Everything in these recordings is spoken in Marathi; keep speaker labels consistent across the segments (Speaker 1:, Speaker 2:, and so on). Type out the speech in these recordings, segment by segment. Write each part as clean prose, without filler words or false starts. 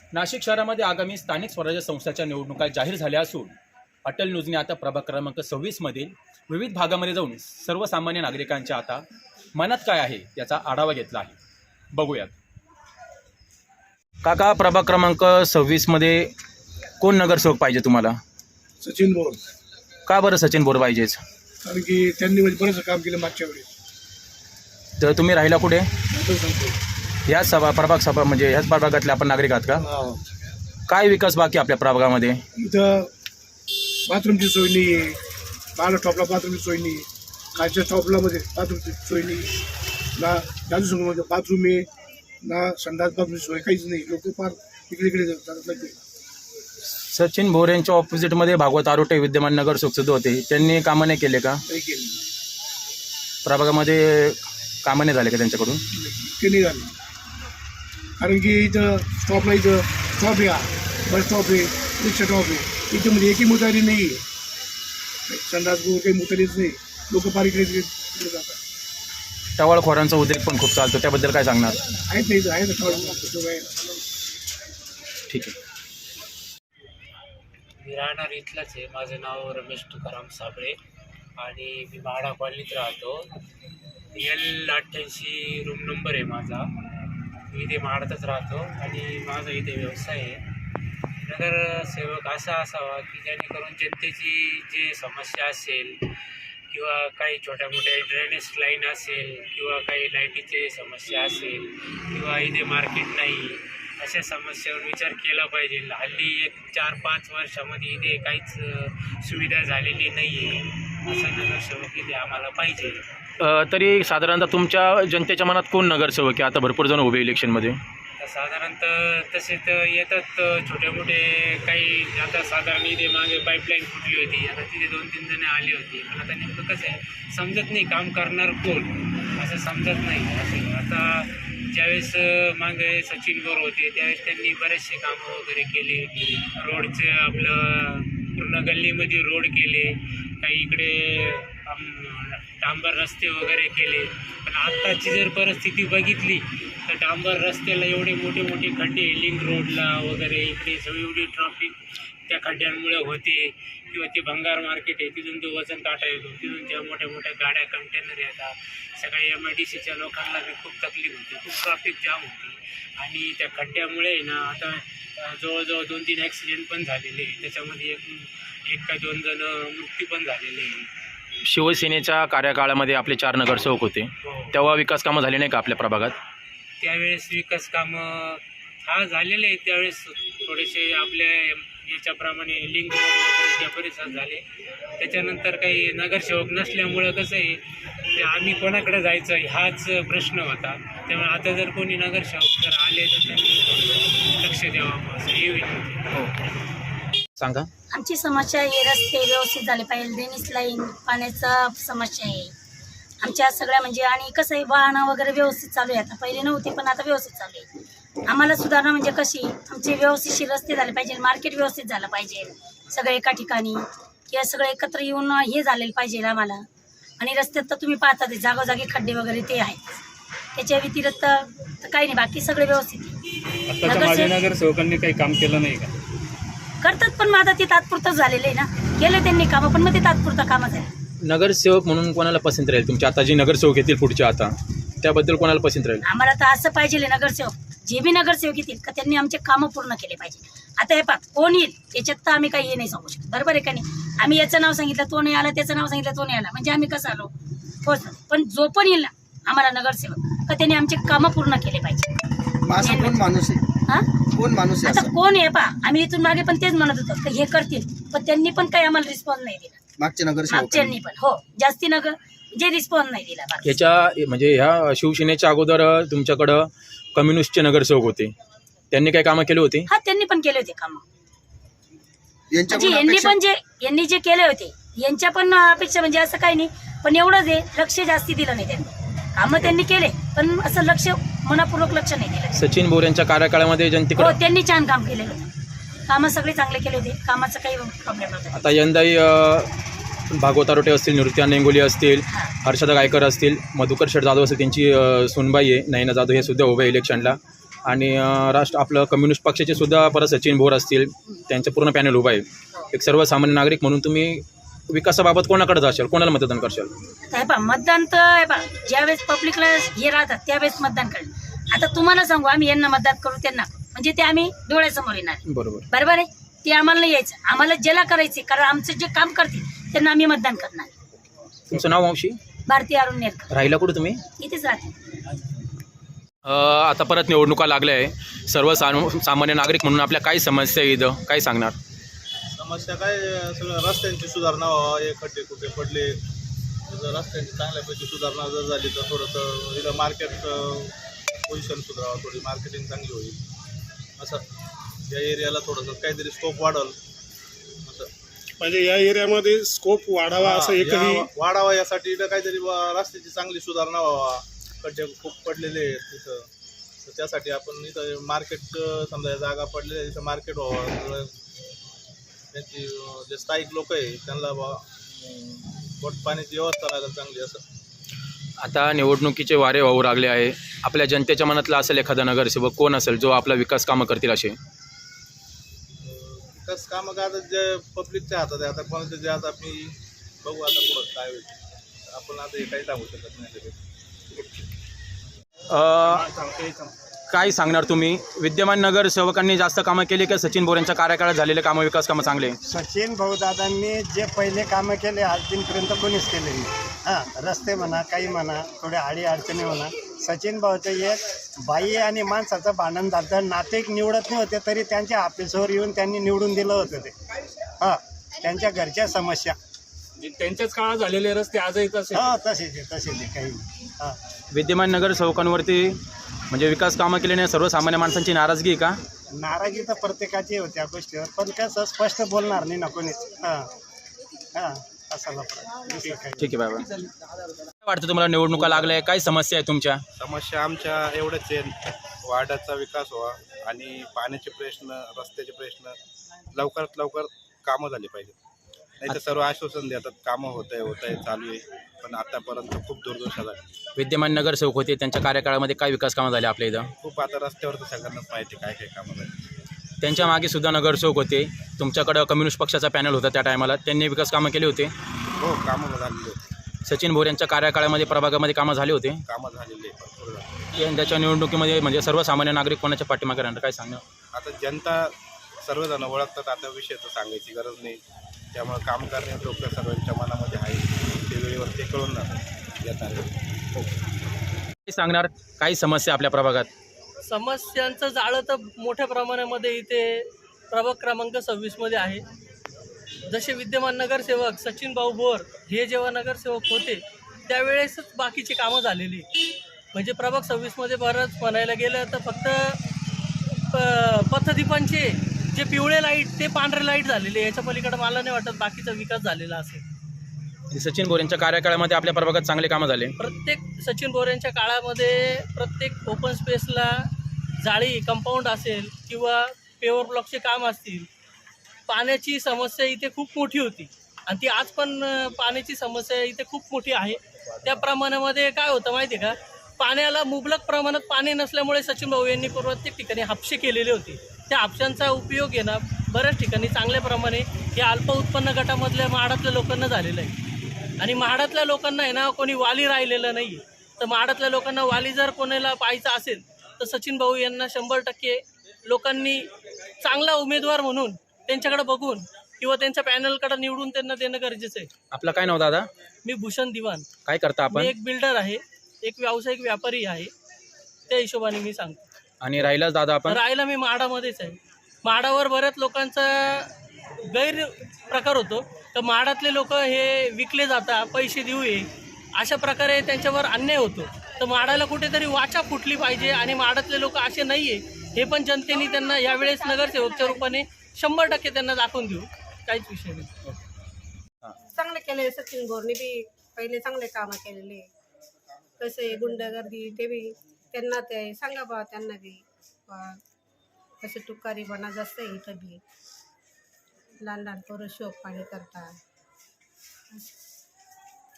Speaker 1: नाशिक शहरामध्ये आगामी स्थानिक स्वराज्य संस्थांच्या निवडणुका जाहीर झाल्या असून अटल न्यूजने आता प्रभाग क्रमांक 26 मधील विविध भागामध्ये जाऊन सर्वसामान्य नागरिकांच्या आता मनात काय आहे याचा आढावा घेतला आहे. बघूयात. काका, प्रभाग क्रमांक 26 मध्ये कोण नगरसेवक पाहिजे तुम्हाला?
Speaker 2: सचिन बोर.
Speaker 1: का बरं सचिन बोर पाहिजेच?
Speaker 2: कारण की त्यांनी म्हणजे बरंच काम केलं मागच्या वेळेस.
Speaker 1: तर तुम्ही राहिला कुठे?
Speaker 2: असं सांगतो.
Speaker 1: ह्याच प्रभाग सभा म्हणजे ह्याच प्रभागातले आपण नागरिक आहात का? काय विकास बाकी आपल्या प्रभागामध्ये?
Speaker 2: इथं बाथरूमची सोय नाही आहे. बारा टॉपला बाथरूमची सोय नाही. खालच्या टॉपला मध्ये बाथरूमची सोय नाही. ना जादू संघामध्ये बाथरूम आहे ना संडास बाथरूमची सोय काहीच नाही. लोक फार इकडे इकडे जातात लागते.
Speaker 1: सचिन भोर यांच्या ऑपोजिटमध्ये भागवत आरोटे विद्यमान नगरसेवक सुद्धा होते. त्यांनी कामं नाही केले का?
Speaker 2: काही केलं
Speaker 1: प्रभागामध्ये कामं नाही झाले का त्यांच्याकडून?
Speaker 2: ते नाही झालं. कारण की इथं स्टॉपला इथं स्टॉप आहे, बस स्टॉप आहे, रिक्षा स्टॉप आहे. इथं म्हणजे एकही मुतारी नाही आहे. संडास काही मुतारीच नाही. लोक फार इकडे तिकडे जातात.
Speaker 1: टवाळखोरांचा उद्रेक पण खूप चालतो, त्याबद्दल काय सांगणार?
Speaker 2: आहेत नाही इथं, आहे ना.
Speaker 1: ठीक आहे.
Speaker 3: मी राहणार इथलंच आहे. माझं नाव रमेश तुकाराम साबळे आणि मी म्हाडा कॉलनीत राहतो. L88 रूम नंबर आहे माझा. मी इथे म्हाडातच राहतो आणि माझा इथे व्यवसाय आहे. नगरसेवक असा असावा की जेणेकरून जनतेची जे समस्या असेल किंवा काही छोट्या मोठ्या ड्रेनेज लाईन असेल किंवा काही लाईटीचे समस्या असेल किंवा इथे मार्केट नाही, अशा समस्यावर विचार केला पाहिजे. हल्ली 4-5 वर्षामध्ये इथे काहीच सुविधा झालेली नाही आहे. असा नगरसेवक इथे आम्हाला पाहिजे.
Speaker 1: तरी साधारणतः तुमच्या जनतेच्या मनात कोण नगरसेवक आहे? आता भरपूर जण उभे इलेक्शनमध्ये.
Speaker 3: तर साधारणतः तसे तर येतात छोटे मोठे काही. आता साधारण इथे मागे पाईपलाईन फुटली होती. आता तिथे 2-3 जण आली होती. पण आता नेमकं कसं आहे समजत नाही काम करणार कोण असं समजत नाही. असं आता ज्यावेळेस मागे सचिन बोर होते त्यावेळेस त्यांनी बरेचसे कामं वगैरे केले. रोडचे आपलं पूर्ण गल्लीमध्ये रोड केले. काही इकडे डांबर रस्ते वगैरे केले. पण आत्ताची जर परिस्थिती बघितली तर डांबर रस्त्याला एवढे मोठे मोठे खड्डे, लिंक रोडला वगैरे इकडे सगळी एवढी ट्रॉफिक त्या खड्ड्यांमुळे होते. किंवा ते भंगार मार्केट आहे तिथून तो वजन काटा येतो. तिथून त्या मोठ्या मोठ्या गाड्या कंटेनर येतात. सगळ्या MIDCच्या लोकांना बी खूप तकलीफ होती. खूप ट्रॉफिक जाम होती. आणि त्या खड्ड्यामुळे ना आता जवळजवळ 2-3 ॲक्सिडेंट पण झालेले. त्याच्यामध्ये एक का 2 जण मृत्यू पण झालेले आहे.
Speaker 1: शिवसेनेच्या कार्यकाळामध्ये आपले 4 नगरसेवक होते. तेव्हा विकास कामं झाली नाही का आपल्या प्रभागात?
Speaker 3: त्यावेळेस विकास कामं झालेले आहेत. त्यावेळेस थोडेसे आपल्या याच्याप्रमाणे लिंक वगैरे त्या परिसरात झाले. त्याच्यानंतर काही नगरसेवक नसल्यामुळं कसं आहे ते आम्ही कोणाकडे जायचं हाच प्रश्न होता. त्यामुळे आता जर कोणी नगरसेवक जर आले तर त्यांनी लक्ष द्यावं असं हे विनंती.
Speaker 1: सांगा.
Speaker 4: आमची समस्या आहे रस्ते व्यवस्थित झाले पाहिजे. ड्रेनेज लाईन पाण्याचा समस्या आहे आमच्या सगळ्या म्हणजे. आणि कसं आहे वाहनं वगैरे व्यवस्थित चालू आहे. आता पहिले नव्हती पण आता व्यवस्थित चालू आहे. आम्हाला सुधारणा म्हणजे कशी आमचे व्यवस्थितशीर रस्ते झाले पाहिजे. मार्केट व्यवस्थित झालं पाहिजे. सगळे एका ठिकाणी किंवा सगळे एकत्र येऊन हे झालेलं पाहिजे आम्हाला. आणि रस्त्यात तर तुम्ही पाहता ते जागोजागी खड्डे वगैरे ते आहेत. त्याच्या व्यतिरिक्त तर काही नाही, बाकी सगळे व्यवस्थित आहे.
Speaker 5: नगरसेवकांनी काही काम केलं नाही का?
Speaker 4: करतात पण मग आता ते तात्पुरतं झालेलं आहे ना. केलं त्यांनी कामं पण मग ते तात्पुरतं कामं झालं.
Speaker 1: नगरसेवक म्हणून कोणाला पसंत राहील तुमच्या आता जे नगरसेवक येतील पुढच्या आता त्याबद्दल कोणाला पसंत राहील?
Speaker 4: आम्हाला तर असं पाहिजे नगरसेवक जे बी नगरसेवक येतील का त्यांनी आमचे कामं पूर्ण केले पाहिजे. आता हे पहा कोण येईल त्याच्यात तर आम्ही काही हे नाही सांगू शकत. बरोबर आहे का नाही? आम्ही याचं नाव सांगितलं तो नाही आला, त्याचं नाव सांगितलं तो नाही आला, म्हणजे आम्ही कसं आलो होच. पण जो पण येईल ना आम्हाला नगरसेवक का त्यांनी आमचे कामं पूर्ण केले पाहिजे.
Speaker 6: कोण माणूस आहे?
Speaker 4: हा
Speaker 6: कोण माणूस आहे?
Speaker 4: आता कोण आहे पहा आम्ही इथून मागे पण तेच म्हणत होतो की हे करतील पण त्यांनी पण काही आम्हाला रिस्पॉन्स नाही दिला. मागच्यांनी पण हो जास्ती जे रिस्पॉन्स नाही दिला.
Speaker 1: याच्या म्हणजे ह्या शिवसेनेच्या अगोदर तुमच्याकडं कम्युनिस्टचे नगरसेवक होते, त्यांनी काय कामं केले होते?
Speaker 4: हा त्यांनी पण केले होते कामं. म्हणजे यांनी जे केले होते यांच्या पण अपेक्षा म्हणजे असं काही नाही. पण एवढंच आहे लक्ष जास्ती दिलं नाही त्यांनी. कामं त्यांनी केले पण असं लक्ष मनापूर्वक लक्ष नाही दिलं.
Speaker 1: सचिन बोर यांच्या कार्यकाळामध्ये जनतेकडे
Speaker 4: हो त्यांनी छान काम केलेलं होतं. कामं सगळे चांगले केले होते. कामाचं काही प्रॉब्लेम नव्हता.
Speaker 1: आता यंदाही भागवत आरोटे असतील, निवृत्ती नेंगोली असतील, हर्षदा गायकर असतील, मधुकर शेठ जाधव असतील, त्यांची सुनबाई आहे नयना जाधव, हे सुद्धा उभे इलेक्शनला. आणि राष्ट्र आपलं कम्युनिस्ट पक्षाचे सुद्धा परत सचिन भोर असतील, त्यांचं पूर्ण पॅनल उभं आहे. एक सर्वसामान्य नागरिक म्हणून तुम्ही विकासाबाबत कोणाकडे जाशाल, कोणाला मतदान करशाल?
Speaker 4: आता हे पहा मतदान तर हे पहा ज्यावेळेस पब्लिकला हे राहतात त्यावेळेस मतदान करेल. आता तुम्हाला सांगू आम्ही यांना मतदान करू त्यांना करू. म्हणजे ते आम्ही डोळ्यासमोर येणार.
Speaker 1: बरोबर.
Speaker 4: बरोबर आहे. ते आम्हाला नाही यायचं. आम्हाला ज्याला करायचे कारण आमचं जे काम करतील त्यांना आम्ही मतदान करणार.
Speaker 1: तुमचं नाव मावशी?
Speaker 4: भारतीय अरुण नेरकर.
Speaker 1: राहिला कुठे तुम्ही?
Speaker 4: इथेच राहते.
Speaker 1: आता परत निवडणुका लागल्या आहे. सामान्य नागरिक म्हणून आपल्या काय समस्या आहे इथं, काय सांगणार?
Speaker 7: समस्या काय, सगळं रस्त्यांची सुधारणा व्हावा. हे खड्डे कुठे पडले, जर रस्त्यांची चांगल्यापैकी सुधारणा जर झाली तर थोडंसं इथं मार्केट पोझिशन सुधारावं, थोडी मार्केटिंग चांगली होईल. असं या एरियाला थोडंसं काहीतरी स्कोप वाढवलं असं.
Speaker 8: म्हणजे या एरियामध्ये स्कोप वाढावा असं एकही
Speaker 7: वाढावा यासाठी इथं काहीतरी रस्त्याची चांगली सुधारणा व्हावा. खड्डे खूप पडलेले आहेत तिथं, तर त्यासाठी आपण इथं मार्केट समजा जागा पडलेल्या तिथं मार्केट व्हावं. त्यांची जे स्थायिक लोक आहे त्यांना पोट पाण्याची व्यवस्था लागेल चांगली असं.
Speaker 1: आता निवडणुकीचे वारे वाहू लागले आहे. आपल्या जनतेच्या मनातला असेल एखादा नगरसेवक कोण असेल जो आपला विकास कामं करतील असे?
Speaker 7: विकास कामं काय आता जे पब्लिकच्या हातात आहे. आता कोणाचं जे आता मी बघू आता पुढं काय होईल. आपण आता हे काही सांगू शकत नाही तरी.
Speaker 1: काय सांगणार तुम्ही? विद्यमान नगरसेवकांनी जास्त कामं केली का सचिन बोर यांच्या कार्यकाळात झालेले कामं, विकास कामं चांगले?
Speaker 9: सचिन भाऊदादांनी जे पहिले कामं केले आज दिनपर्यंत कोणीच केले नाही. हां, रस्ते म्हणा, काही म्हणा, थोड्या अडी अडचणी म्हणा. सचिन भाऊचं एक बाई आणि माणसाचं भांडण झालं, नातेक निवडत नाही होते तरी त्यांच्या ऑफिसवर येऊन त्यांनी निवडून दिलं होतं ते. हां, त्यांच्या घरच्या समस्या
Speaker 5: त्यांच्याच काळात झालेले रस्ते आजही तसे.
Speaker 9: हां, तसेच आहे काही नाही. हां,
Speaker 1: विद्यमान नगरसेवकांवरती म्हणजे विकास कामं केल्याने सर्वसामान्य माणसांची नाराजगी आहे का?
Speaker 9: नाराजी तर प्रत्येकाची होती या गोष्टीवर, पण कसं स्पष्ट बोलणार नाही ना कोणीच. हां हां, असायला पाहिजे.
Speaker 1: ठीक आहे बाबा. काय वाटतं तुम्हाला, निवडणुका लागल्या, काय समस्या आहे तुमच्या?
Speaker 10: समस्या आमच्या एवढंच आहे, वार्डाचा विकास व्हावा आणि पाण्याचे प्रश्न, रस्त्याचे प्रश्न लवकरात लवकर कामं झाली पाहिजे. नाही तर सर्व आश्वासन देतात कामं होत आहे चालू आहे, पण आतापर्यंत खूप दुर्दशा झाली.
Speaker 1: विद्यमान नगरसेवक होते, त्यांच्या कार्यकाळामध्ये काय विकास कामं झाले आपल्या इथं?
Speaker 10: खूप आता रस्त्यावर तर सगळ्यांनाच माहिती काय काय कामं झाली.
Speaker 1: त्यांच्या मागे सुद्धा नगरसेवक होते. तुमच्याकडं कम्युनिस्ट पक्षाचा पॅनल होता त्या टायमाला, त्यांनी विकास कामं केले होते?
Speaker 10: हो, कामं झालेली होती.
Speaker 1: सचिन भोर यांच्या कार्यकाळामध्ये प्रभागामध्ये कामं झाले होते?
Speaker 10: कामं झालेली आहे, भरपूर झाली.
Speaker 1: यंदाच्या निवडणुकीमध्ये म्हणजे सर्वसामान्य नागरिक कोणाच्या पाठीमागे राहणार, काय सांगणार?
Speaker 10: आता जनता सर्वजण ओळखतात, आता विषय तर सांगायची गरज नाही. त्यामुळे काम करणे लोक सर्वांच्या मनामध्ये आहे, ते वेळेवर ते कळून येतात.
Speaker 1: काय सांगणार, काही समस्या आपल्या प्रभागात?
Speaker 11: समस्यांचं जाळं तर मोठ्या प्रमाणामध्ये इथे प्रभाग क्रमांक 26मध्ये आहे. जसे विद्यमान नगरसेवक सचिन भाऊ भोर हे जेव्हा नगरसेवक होते त्यावेळेसच बाकीची कामं झालेली. म्हणजे प्रभाग 26मध्ये बरंच म्हणायला गेलं तर फक्त पथदीपांचे जे पिवळे लाईट ते पांढरे लाईट झालेले, याच्या पलीकडे मला नाही वाटत बाकीचा विकास झालेला असेल.
Speaker 1: सचिन भोर यांच्या कार्यकाळामध्ये आपल्या प्रभागात चांगले कामं झाले.
Speaker 11: प्रत्येक सचिन भोर यांच्या काळामध्ये प्रत्येक ओपन स्पेसला जाळी, कंपाऊंड असेल किंवा पेवर ब्लॉकचे काम असतील, पाण्याची समस्या इथे खूप मोठी होती आणि ती आज पण पाण्याची समस्या इथे खूप मोठी आहे. त्या प्रमाणामध्ये काय होतं माहिती आहे का, पाण्याला मुबलक प्रमाणात पाणी नसल्यामुळे सचिन भाऊ यांनी प्रत्येक ठिकाणी हापशे केलेले होते. त्या हापशांचा उपयोग आहे ना बऱ्याच ठिकाणी चांगल्या प्रमाणे या अल्प उत्पन्न गटामधल्या म्हाडातल्या लोकांना झालेलं आहे. आणि म्हाडातल्या लोकांना आहे ना कोणी वाली राहिलेलं नाही. तर म्हाडातल्या लोकांना वाली जर कोणाला पाहायचा असेल तर सचिन भाऊ यांना 100% लोकांनी चांगला उमेदवार म्हणून त्यांच्याकडे बघून किंवा त्यांच्या पॅनलकडे निवडून त्यांना देणं गरजेचं आहे.
Speaker 1: आपलं काय नाव दादा?
Speaker 11: मी भूषण दिवान.
Speaker 1: काय करता आपण?
Speaker 11: मी एक बिल्डर आहे, एक व्यावसायिक व्यापारी आहे, त्या हिशोबाने मी सांगतो.
Speaker 1: आणि राहिलाच दादा आपण?
Speaker 11: राहायला मी म्हाडामध्येच आहे. म्हाडावर बऱ्याच लोकांचा गैरप्रकार होतो. तर म्हाडातले लोक हे विकले जातात, पैसे देऊ ये, अशा प्रकारे त्यांच्यावर अन्याय होतो. तर म्हाडाला कुठेतरी वाचा फुटली पाहिजे आणि म्हाडातले लोक असे नाही आहे हे पण जनतेने त्यांना यावेळेस नगरसेवकच्या रूपाने 100% त्यांना दाखवून देऊ. काहीच विषय नाही.
Speaker 12: चांगले केले सचिन बोरने बी, पहिले चांगले कामं केलेले. कसे गुंडगर्दी ते बी त्यांना ते सांगा बा, त्यांना बी कसे तुकारी बना जास्त आहे इथं बी. लहान लहान पोरं शोक पाणी करतात.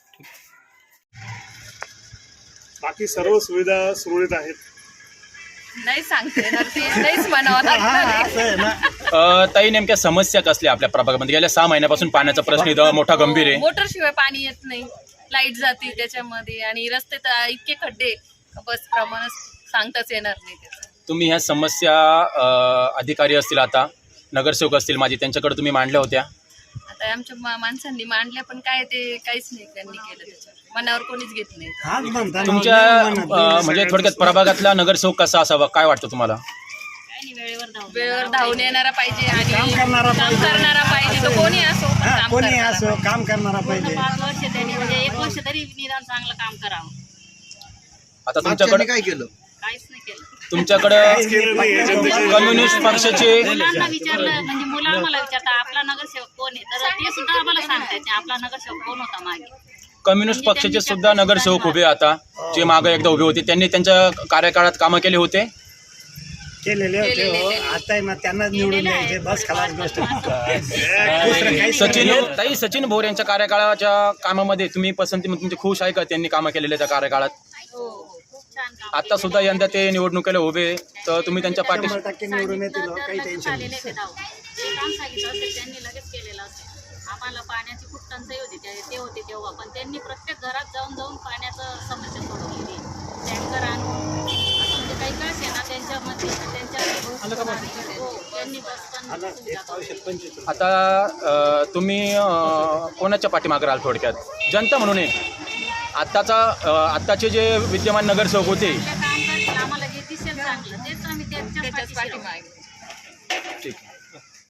Speaker 8: बाकी सर्व सुविधा सुरळीत आहेत.
Speaker 13: नाही सांगते येणार ते नाहीच म्हणावं लागणार आहे.
Speaker 9: असं आहे ना.
Speaker 1: ताई नेमक्या समस्या कसल्या आपल्या प्रभागामध्ये? गेल्या 6 महिन्यापासून पाण्याचा प्रश्न इथं मोठा गंभीर आहे.
Speaker 13: मोटरशिवाय पाणी येत नाही, लाईट जाते त्याच्यामध्ये, आणि रस्ते तर इतके खड्डे बस प्रमाण सांगताच येणार नाही त्याचं.
Speaker 1: तुम्ही ह्या समस्या अधिकारी असतील, आता नगरसेवक असतील माझे, त्यांच्याकडे तुम्ही मांडल्या होत्या?
Speaker 13: आता आमच्या माणसांनी मांडल्या, पण काय ते काहीच नाही त्यांनी केलं त्याच्यावर, मनावर कोणीच घेत नाही.
Speaker 9: हाच म्हणता ना,
Speaker 1: तुमच्या
Speaker 9: नाही म्हणत.
Speaker 1: म्हणजे थोडक्यात प्रभागातला नगरसेवक कसा असावा, काय वाटतं तुम्हाला?
Speaker 13: वेळेवर धावून येणारा पाहिजे आणि
Speaker 9: काम करणारा
Speaker 13: काम करणारा पाहिजे. तो कोणी असो, पण
Speaker 9: हा,
Speaker 13: काम
Speaker 9: कोणी
Speaker 13: करणारा
Speaker 9: असो काम करणारा पाहिजे.
Speaker 4: 5 वर्ष त्यांनी म्हणजे 1 वर्ष तरी निदान चांगलं काम करावं.
Speaker 1: आता
Speaker 6: मागच्यांनी
Speaker 1: तुमच्याकडे
Speaker 6: काय केलं?
Speaker 4: काहीच नाही केलं.
Speaker 1: तुमच्याकडे कम्युनिस्ट पक्षाचे
Speaker 4: मुलांना विचारलं म्हणजे मुलं आम्हाला विचारता आपला नगरसेवक कोण आहे, तर ते सुद्धा आम्हाला सांगतायचे आपला नगरसेवक कोण होता मागे.
Speaker 1: कम्युनिस्ट पक्षाचे सुद्धा नगरसेवक उभे आता, जे मागे एकदा उभे होते, त्यांनी त्यांच्या कार्यकाळात कामं केले होते.
Speaker 9: केलेले होते हो. आता आहे ना त्यांना निवडून द्यायचे, बस खलास गोष्ट. दुसरं काहीच नाही.
Speaker 1: सचिन भोर यांच्या कार्यकाळाच्या कामामध्ये तुम्ही पसंती तुमची खुश आहे का? त्यांनी कामं केलेल्या त्या कार्यकाळात?
Speaker 4: खूप छान काम
Speaker 1: आता सुद्धा यंदा ते निवडणुकीला उभे, तर तुम्ही त्यांच्या पाठीशी
Speaker 9: 100% निवडून येतील हो, काही टेन्शन नाही.
Speaker 4: जे काम सांगितलं असेल त्यांनी लगेच केलेलं असेल. आम्हाला पाण्याची खूप टंचाई होती ते होते तेव्हा, पण त्यांनी प्रत्येक घरात जाऊन पाण्याचं समस्या सोडवलेली. टँकर आणून म्हणजे काही कळस आहे ना त्यांच्यामध्ये त्यांच्या हो, त्यांनी बस पण सुविधा करून.
Speaker 1: आता तुम्ही कोणाच्या पाठीमागे राहाल थोडक्यात जनता म्हणून? आत्ताचे जे विद्यमान नगरसेवक होते,
Speaker 4: काम करतील आम्हाला जे दिसेल चांगलं तेच आम्ही त्यांच्याच पाठीशी राहू.